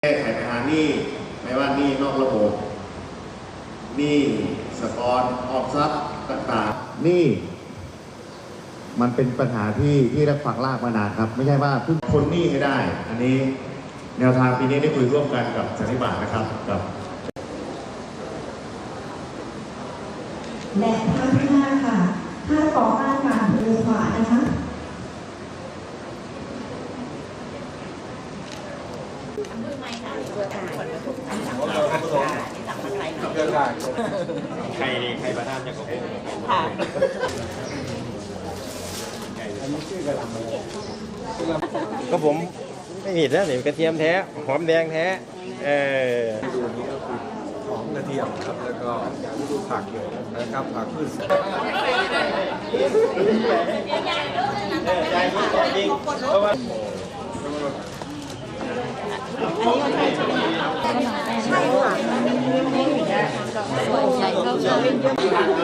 แก้ไขปัญหาหนี้ไม่ว่าหนี้นอกระบบหนี้สปอนออมทรัพย์ต่างๆนี่มันเป็นปัญหาที่รักฝังลากมานานครับไม่ใช่ว่าเพิ่งพ้นหนี้ให้ได้อันนี้แนวทางปีนี้ได้คุยร่วมกันกับสันนิบาตนะครับกับและท่าที่5ค่ะท่าก่อต้านการมือขวานะคะใครประธานจะกบค่ะก็ผมไม่ผิดนะนี่กระเทียมแท้หอมแดงแท้ดูนี้ก็คือหอมกระเทียมครับแล้วก็ผักนะครับผักพืชจริงเพราะว่าใช่ค่ะใหญ่เขาจะเป็นเยอะ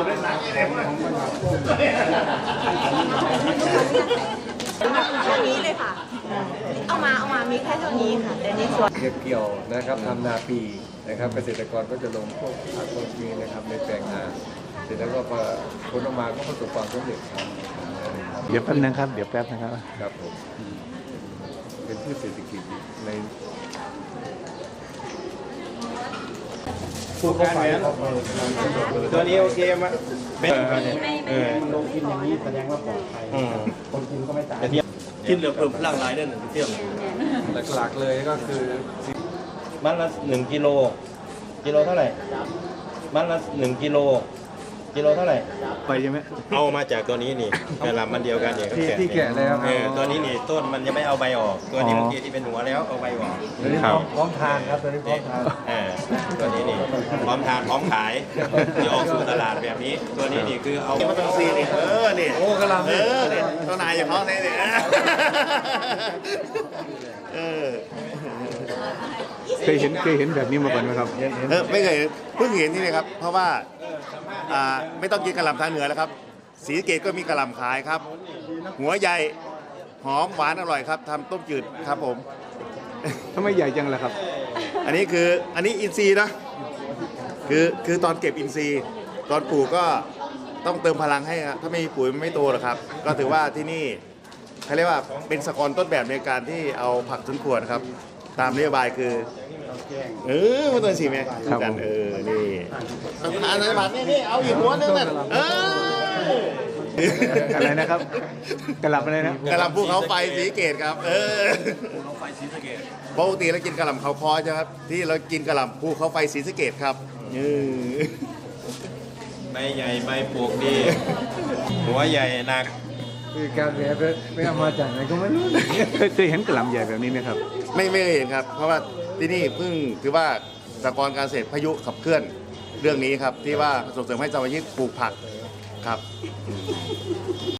เท่านี้เลยค่ะเอามามีแค่เท่านี้ค่ะแต่ในส่วนเก็บเกี่ยวนะครับทำนาปีนะครับเกษตรกรก็จะลงพวกผักพวกนี้นะครับในแปลงนาเสร็จแล้วก็พอผลออกมาก็ประสบความสำเร็จครับเดี๋ยวแป๊บนึงครับเดี๋ยวแป๊บนะครับครับผมเป็นพืชเศรษฐกิจในผู้การแหวนตัวนี้โอเคมั้ยเป็นลงกินอย่างนี้แสดงว่าปลอดภัยคนกินก็ไม่ตายกินเหลือเพิ่มพลังหลายเด้อ1เที่ยวหลักๆเลยก็คือมันละ1กิโลเท่าไหร่มันละ1กิโลเท่าไหร่ไปใช่ไหมเอามาจากตัวนี้นี่กระลำมันเดียวกันเนี่ยที่แกะแล้วตัวนี้นี่ต้นมันยังไม่เอาใบออกตัวนี้เมื่อกี้ที่เป็นหัวแล้วเอาใบออกพร้อมทานครับตัวนี้พร้อมทานตัวนี้นี่พร้อมทานพร้อมขายจะออกสู่ตลาดแบบนี้ตัวนี้นี่คือเอามาตั้งซีนี่นี่โอ้กระลำนี่ตัวนายอย่างเขาเนี่ยเคยเห็นแบบนี้มาก่อนไหมครับไม่เคยเพิ่งเห็นที่นี่ครับเพราะว่าไม่ต้องกินกะหล่ำทางเหนือแล้วครับศรีสะเกษก็มีกะหล่ำขายครับหัวใหญ่หอมหวานอร่อยครับทำต้มจืดครับผมทำไมใหญ่จังล่ะครับอันนี้อินทรีย์นะคือตอนเก็บอินทรีย์ตอนปลูกก็ต้องเติมพลังให้ครับถ้าไม่มีปุ๋ยมันไม่โตหรอกครับก็ถือว่าที่นี่เขาเรียกว่าเป็นสกรต้นแบบในการที่เอาผักสวนครัวครับตามนโยบายคือมันตัวสีไหมกันนี่อันไหนผัดนี่เอาอีกหัวนึงนั่นอะไรนะครับกระหล่ำอะไรนะกระหล่ำภูเขาไฟศรีสะเกษครับภูเขาไฟศรีสะเกษปกติเรากินกระหล่ำเขาคอใช่ไหมครับที่เรากินกระหล่ำภูเขาไฟศรีสะเกษครับใบใหญ่ใบปลูกดีหัวใหญ่หนักคือการเรียนไม่เอามาจากไหนก็ไม่รู้เคยเห็นกระหล่ำใหญ่แบบนี้ไหมครับไม่เคยเห็นครับเพราะว่าที่นี่เพิ่งถือว่าสหกรณ์การเกษตรพายุขับเคลื่อนเรื่องนี้ครับที่ว่าส่งเสริมให้สมาชิกปลูกผักครับ